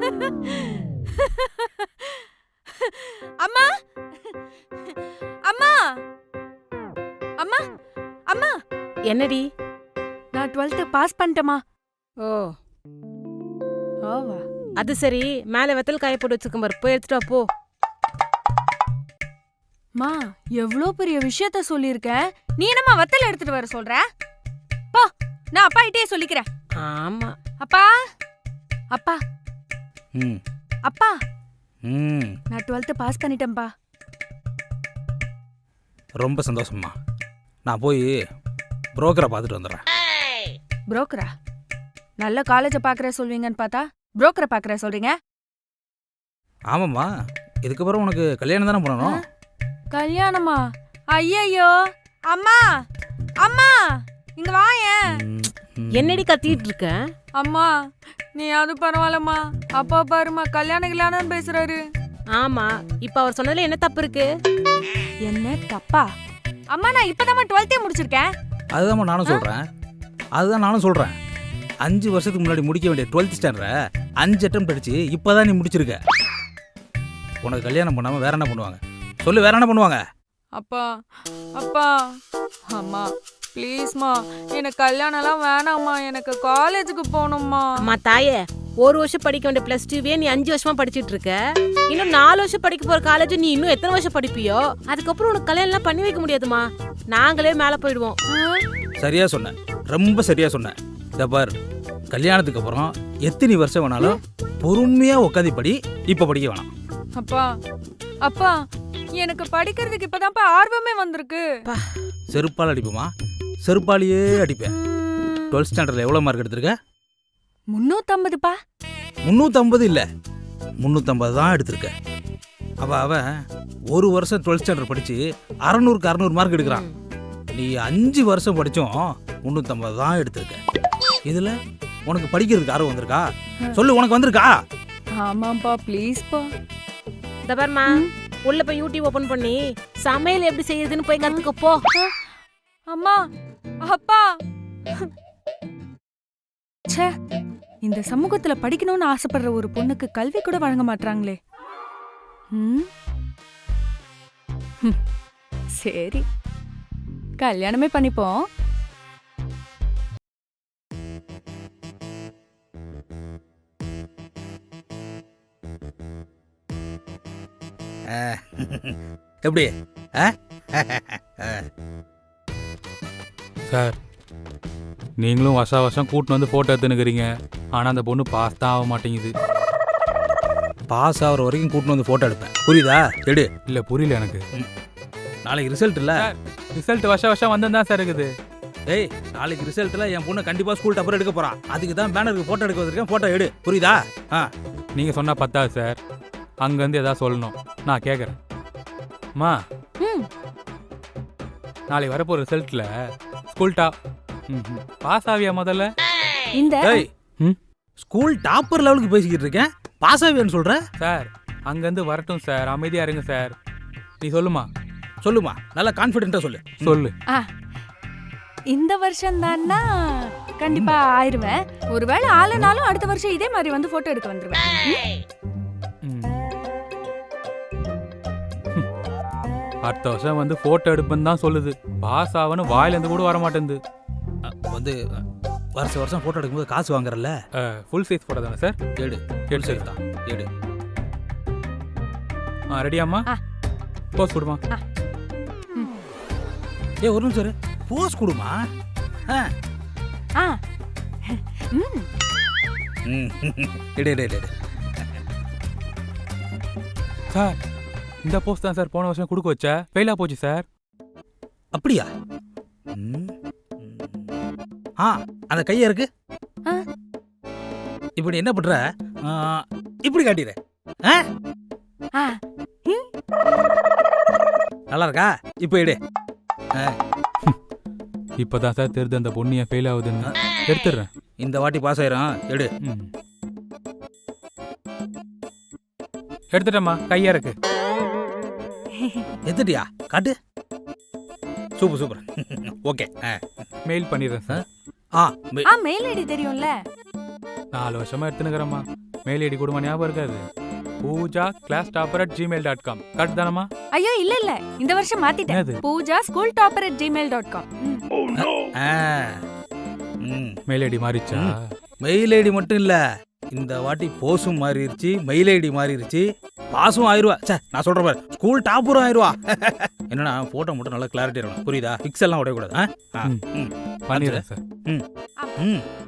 அம்மா அம்மா அம்மா அம்மா, என்னடி? நான் 12th பாஸ் பண்ணிட்டேமா. ஓ ஓவா. அது சரி, மேல வெத்தல் காய போட்டு வச்சிருக்க பாரு, போய் எடுத்துட்டு வா போ. மா, எவ்வளோ பெரிய விஷயத்த சொல்லியிருக்கேன், நீ என்னம்மா வத்தல் எடுத்துட்டு வர சொல்ற? போ, நான் அப்பா கிட்டே சொல்லிக்கிறேன். ஆமா. அப்பா அப்பா ம் அப்பா, ம் நான் 12th பாஸ் பண்ணிட்டேன்பா. ரொம்ப சந்தோஷம்மா. நான் போய் புரோக்கரை பார்த்துட்டு வந்துடுறேன். புரோக்கரா? நல்ல காலேஜை பார்க்குற சொல்வீங்கன்னு பார்த்தா புரோக்கரை பார்க்குற சொல்றீங்க. ஆமாம்மா, இதுக்கப்புறம் உனக்கு கல்யாணம் தானே பண்ணணும். கல்யாணமா? ஐயையோ. அம்மா அம்மா, இங்க வாயேன். என்னடி கத்திட்டு இருக்க? அம்மா, நீ அது பரவாயில்லம்மா, அப்பா பாருமா கல்யாணம் பேசுறாரு. ஆமா, இப்ப அவர் சொன்னதுல என்ன தப்பு இருக்கு? என்ன தப்பா? அம்மா, நான் இப்பதான் 12th முடிச்சிருக்கேன். அதுதான் நானும் சொல்றேன். 5 வருஷத்துக்கு முன்னாடி முடிக்க வேண்டிய 12th ஸ்டாண்டர்டை 5 அட்டம் படிச்சு இப்பதான் நீ முடிச்சிருக்க. உனக்கு கல்யாணம் பண்ணாம வேற என்ன பண்ணுவாங்க சொல்லு? வேற என்ன பண்ணுவாங்க? அப்பா அப்பா, அம்மா ப்ளீஸ்மா, எனக்கு கல்யாணம்லாம் வேணாம்மா, எனக்கு காலேஜுக்கு போகணும்மா. அம்மா தாயே, 1 வருஷம் படிக்க வேண்டிய +2 நீ 5 வருஷமா படிச்சிட்டு இருக்க. இன்னும் 4 வருஷம் படிக்க போற காலேஜ் நீ இன்னும் எத்தனை வருஷம் படிப்பியோ? அதுக்கப்புறம் உனக்கு கல்யாணம் பண்ணி வைக்க முடியாதுமா. நாங்களே மேல போயிடுவோம். சரியா சொன்ன, ரொம்ப சரியா சொன்ன. இத பார், கல்யாணத்துக்கு அப்புறம் எத்தனை வருஷம் வேணாலும் பொறுமையா உட்காந்து படி, இப்ப படிக்க வேணாம். அப்பா அப்பா, எனக்கு படிக்கிறதுக்கு இப்பதான்ப்பா ஆர்வமே வந்திருக்கு. செருப்பால் அடிப்புமா? செருப்பாலேயே அடிப்பேன். 12th ஸ்டாண்டர்ட்ல எவ்வளவு மார்க் எடுத்திருக்க? 350பா. 350 இல்ல, 350 தான் எடுத்திருக்க. அவன் 1 வருஷம் 12th ஸ்டாண்டர்ட் படிச்சு 600க்கு 600 மார்க் எடுக்கிறான். நீ 5 வருஷம் படிச்சும் 350 தான் எடுத்திருக்க. இதுல உனக்கு படிக்கிறதுக்கு ஆர்வம் வந்திருக்கா? சொல்லு, உனக்கு வந்திருக்கா? ஆமாப்பா, ப்ளீஸ்ப்பா. இந்த பாருமா, உள்ள போய் யூடியூப் ஓபன் பண்ணி சமையல் எப்படி செய்யறதுன்னு போய் கத்துக்க போ. அம்மா அப்பா, ச்சே, இந்த சமூகத்துல படிக்கணும்னு ஆசைப்படுற ஒரு பொண்ணுக்கு கல்வி கூட வழங்க மாட்டாங்களே. சரி, கல்யாணமே பண்ணிப்போம். எப்படி? சார், நீங்களும் வருஷம் கூட்டின்னு வந்து ஃபோட்டோ எடுத்துனுக்கிறீங்க, ஆனால் அந்த பொண்ணு பாஸ் தான் ஆக மாட்டேங்குது. பாஸ் ஆகிற வரைக்கும் கூட்டின்னு வந்து ஃபோட்டோ எடுப்பேன், புரியுதா? எடு. இல்லை, புரியல எனக்கு. நாளைக்கு ரிசல்ட் இல்லை? ரிசல்ட் வருஷம் வந்து தான் சார் இருக்குது. ஏய், நாளைக்கு ரிசல்ட்டில் என் பொண்ணு கண்டிப்பாக ஸ்கூல் டப்பர் எடுக்க போகிறான். அதுக்கு தான் பேனருக்கு ஃபோட்டோ எடுக்க வந்திருக்கேன். ஃபோட்டோ எடு, புரியுதா? நீங்கள் சொன்னால் பத்தாது சார், அங்கேருந்து எதாவது சொல்லணும். நான் கேட்குறேன். அம்மா, நாளைக்கு வரப்போ ரிசல்ட்டில் ஸ்கூல் பாஸ் ஆவியா முதல்ல? இந்த ஸ்கூல் டாப்பர் லெவலுக்கு பேசிக்கிட்டு இருக்கேன், பாஸ் ஆவியான்னு சொல்ற? சார், அங்கேருந்து வரட்டும் சார், அமைதியாக இருங்க சார். நீ சொல்லுமா, நல்லா கான்ஃபிடென்ட்டா சொல்லு. இந்த வருஷம் தான்னா கண்டிப்பா ஆயிருவேன். ஒருவேளை ஆளுனாலும் அடுத்த வருஷம் இதே மாதிரி வந்து போட்டோ எடுக்க வந்துருவேன். அடுத்த வருஷம் வந்து போட்டோ எடுப்பேன்னு தான் சொல்லுது. பாஸ் ஆகணும் வாயிலேருந்து கூட வர மாட்டேங்குது. வந்து வருஷம் போட்டோ எடுக்கும்போது காசு வாங்குறல்ல? ஃபுல் சைஸ் போட்டோ தானே சார்? எடு சைஸ் தான், எடு. ரெடியாம்மா? போஸ் கொடுமா. ஒரு நிமிஷம், போஸ் கொடுமா. எடு. சார், இந்த போஸ்ட் தான் சார் போன வருஷம் கொடுக்க வச்ச, ஃபெயிலா போச்சு சார். அப்படியா? அந்த கையா இருக்கு. இப்படி என்ன பண்ற? இப்படி காட்டிடு. நல்லா இருக்கா? இப்ப எடு. இப்பதான் சார் தெரியுது அந்த பொண்ணு ஏன் ஃபெயில் ஆகுதுன்னு. எடுத்துடுறேன். இந்த வாட்டி பாஸ் ஆயிரும், எடு. எடுத்துட்டேம்மா, கையா இருக்கு. எடுத்துட்டியா? காட்டு. சூப்பர். ஓகே, மெயில் பண்ணிடுறேன் சார். மெயில் ஐடி தெரியும்ல? 4 வருஷமா எடுத்துனுக்கிறேம்மா. மெயில் ஐடி கொடுமா, ஞாபகம் இருக்காது? Pooja class topper at gmail.com. Correct தானம்மா? ஐயோ இல்ல இந்த வருஷம் மாத்திட்டேன். என்னது? Pooja school topper at gmail.com. ஆ. ம். மெயில் ஐடி மாறிச்சா? மெயில் ஐடி மட்டும் இல்ல, இந்த வாட்டி போஸும் மாறிடுச்சு, மெயில் ஐடி மாறிடுச்சு, பாஸும் ஆயிருவா. சே, நான் சொல்ற பாரு, ஸ்கூல் டாப்பரும் ஆயிருவா. என்னன்னா போட்டோ மட்டும் நல்லா கிளாரிட்டி இருக்கணும், புரியுதா? பிக்சல்லாம் உடையக்கூடாது. பண்ணிடுறேன் சார். ம்